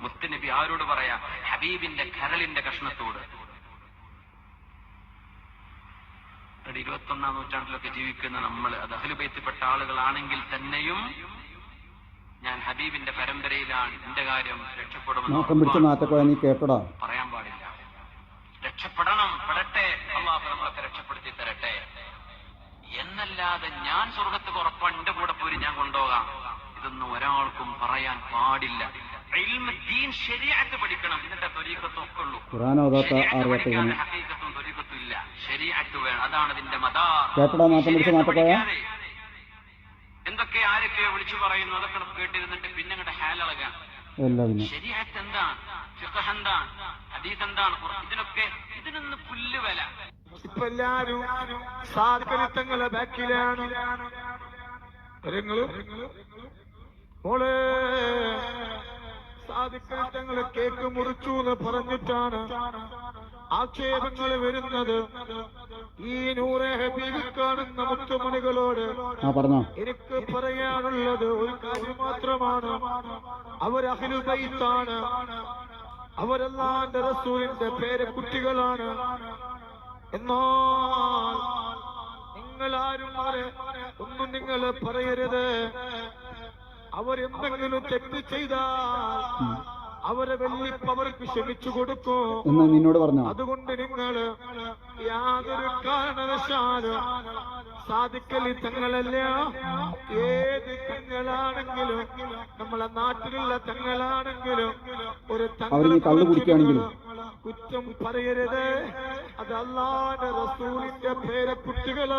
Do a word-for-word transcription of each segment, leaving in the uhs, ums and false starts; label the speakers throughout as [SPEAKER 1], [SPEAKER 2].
[SPEAKER 1] മുത്തുനബി ആരോട് പറയാ? ഹബീബിന്റെ കരളിന്റെ കഷ്ണത്തോട്. ഇരുപത്തി ഒന്നാം നൂറ്റാണ്ടിലൊക്കെ ജീവിക്കുന്ന നമ്മൾ, അത് അഹ്ലുബൈത്തിൽപ്പെട്ട ആളുകളാണെങ്കിൽ തന്നെയും ഞാൻ ഹബീബിന്റെ പരമ്പരയിലാണ്, എന്റെ കാര്യം രക്ഷപ്പെടുമെന്ന് പറയാൻ പാടില്ല. രക്ഷപ്പെടണം, പെടട്ടെ, അള്ളാഹു നമ്മളൊക്കെ രക്ഷപ്പെടുത്തി തരട്ടെ എന്നല്ലാതെ ഞാൻ സ്വർഗത്ത് ഉറപ്പാണ്, എന്റെ കൂടെ പോയി ഞാൻ കൊണ്ടുപോകാം, ഇതൊന്നും ഒരാൾക്കും പറയാൻ പാടില്ല. ഇൽമ്, ദീൻ, ശരീഅത്ത് പഠിക്കണം, എന്നിട്ട് ത്വരീഖത്തും ഒക്കെ ഉള്ളൂ. പഠിക്കാതെ ഹഖീഖത്തും ത്വരീഖത്തും ഇല്ല. ശരീഅത്ത് വേണം, അതാണ് ഇതിന്റെ മദാർ. എന്തൊക്കെ ആരൊക്കെയോ വിളിച്ചു പറയുന്നു, അതൊക്കെ കേട്ടിരുന്നിട്ട് പിന്നെ അങ്ങോട്ട് ഹാലളകാൻ. ശരീഅത്ത് എന്താണ്, ഫിഖ്ഹ് എന്താണ്, ഹദീസ് എന്താണ്, ഇതിനൊക്കെ ഇതിനൊന്ന് പുല്ല് വില.
[SPEAKER 2] ഇപ്പൊ എല്ലാരും സാധനങ്ങളെ ബാക്കിലാണ്. മോളെ സാധിക്കങ്ങള് കേക്ക് മുറിച്ചു എന്ന് പറഞ്ഞിട്ടാണ് ആക്ഷേപങ്ങൾ വരുന്നത്. ഈ നൂറെ ഹബീബ് കാണുന്ന മുത്തുമണികളോട് എനിക്ക് പറയാനുള്ളത് ഒരു കാര്യം മാത്രമാണ്. അവർ അഹ്ലുൽ ബൈത്താണ്, അവരല്ലാന്റെ റസൂലിന്റെ പേരക്കുട്ടികളാണ്. എന്നാൽ നിങ്ങളാരും അവരെ ഒന്നും നിങ്ങൾ പറയരുത്. അവരെന്തെങ്കിലും തെറ്റ് ചെയ്താൽ അവരെ വെല്ലിപ്പ് അവർക്ക് ക്ഷമിച്ചു കൊടുക്കും എന്ന് നിന്നോട് പറഞ്ഞു. അതുകൊണ്ട് നിങ്ങൾ യാതൊരു കാരണവശാലും സാധിക്കലി തങ്ങളല്ല, ഏത് തങ്ങളാണെങ്കിലും നമ്മളെ നാട്ടിലുള്ള തങ്ങളാണെങ്കിലും ഒരു തങ്ങൾ കുറ്റം പറയരുത്. അത് അല്ലാഹുവിന്റെ റസൂലിന്റെ പേരക്കുട്ടികളോ.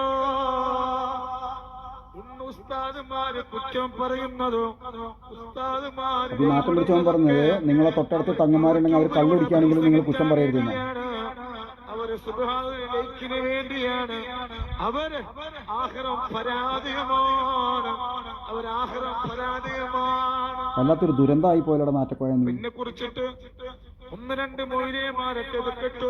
[SPEAKER 2] ഇന്ന് ഉസ്താദുമാര് കുറ്റം പറയുന്നതോ ഉസ്താദുമാര്
[SPEAKER 3] മാറ്റം പിടിച്ചവൻ പറഞ്ഞത് നിങ്ങളെ തൊട്ടടുത്ത് തങ്ങന്മാരുണ്ടെങ്കിൽ അവർ കള്ളുടിക്കുകയാണെങ്കിലും നിങ്ങൾ കുറ്റം പറയരുതെന്ന്.
[SPEAKER 2] അവര് സുബ്ഹാനല്ലാഹിന് വേണ്ടിയാണ്. അവര് ആഖിറം പരാജയമാണ്, അവർ ആഖിറം പരാജയമാണ്.
[SPEAKER 3] വല്ലാത്തൊരു ദുരന്തമായി പോയല്ലോ നാറ്റക്കോയ.
[SPEAKER 2] പിന്നെ കുറിച്ചിട്ട് ഒന്ന് രണ്ട് മൊയ്ലിമാരൊക്കെ വെക്കട്ടോ.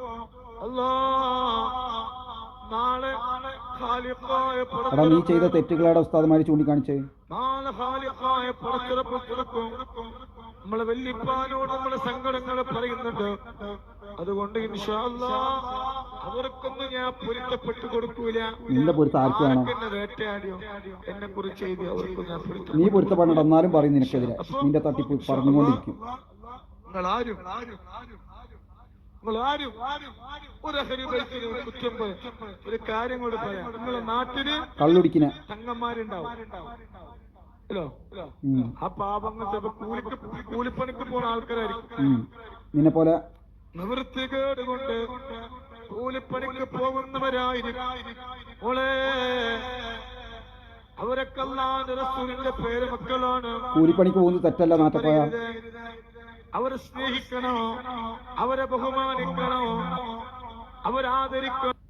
[SPEAKER 2] അല്ലാഹ് നാളെ
[SPEAKER 3] എടാ നീ ചെയ്ത തെറ്റുകളാണ് ഉസ്താദുമാര് ചൂണ്ടിക്കാണിച്ചത്.
[SPEAKER 2] നാളെ ഖാലിഖായ പടച്ചിറപ്പ് കൊടുക്കും. നമ്മളെ വല്യപ്പാനോട് നമ്മളെ സങ്കടങ്ങൾ പറയുന്നുണ്ട്. അതുകൊണ്ട് ഇൻഷാ അല്ലാഹ് അവർക്കൊന്നും ഞാൻ പൊരുത്തപ്പെട്ടു കൊടുക്കൂല.
[SPEAKER 3] നിന്റെ പൊരുത്തം ആർക്ക് വേണം?
[SPEAKER 2] വേട്ടയാടിയോ എന്നെ കുറിച്ച് ചെയ്ത് അവർക്കും ഞാൻ പൊരുത്തം.
[SPEAKER 3] നീ പൊരുത്തപ്പെടണം, എന്നാലും പറയും നിനക്കെതിരെ നിന്റെ തട്ടിപ്പ് പറഞ്ഞുകൊണ്ടിരിക്കും.
[SPEAKER 2] നിങ്ങളാരും നിങ്ങളാരും ഒരു അഹ്ലുബൈത്തിന് കുറ്റം ഒരു കാര്യം കൂടി പറയാം. നിങ്ങളെ നാട്ടില്
[SPEAKER 3] കള്ളുടിക്കുന്ന
[SPEAKER 2] തങ്ങന്മാരുണ്ടാവും ഹലോ. ആ പാപങ്ങൾ കൂലിക്ക് കൂലിപ്പണിക്ക് പോണ ആൾക്കാരായിരിക്കും.
[SPEAKER 3] നിന്നെ പോലെ
[SPEAKER 2] നിവൃത്തികേട് കൊണ്ട് കൂലിപ്പണിക്ക് പോകുന്നവരായിരിക്കും. ഓളെ അവരൊക്കെ അല്ലാഹുവിന്റെ റസൂലിന്റെ പേര് മക്കളാണ്.
[SPEAKER 3] കൂലിപ്പണിക്ക് പോകുന്നത് തെറ്റല്ല നാട്ടപ്പോയ.
[SPEAKER 2] അവരെ സ്നേഹിക്കണോ, അവരെ ബഹുമാനിക്കണോ, അവരാദരിക്കണോ.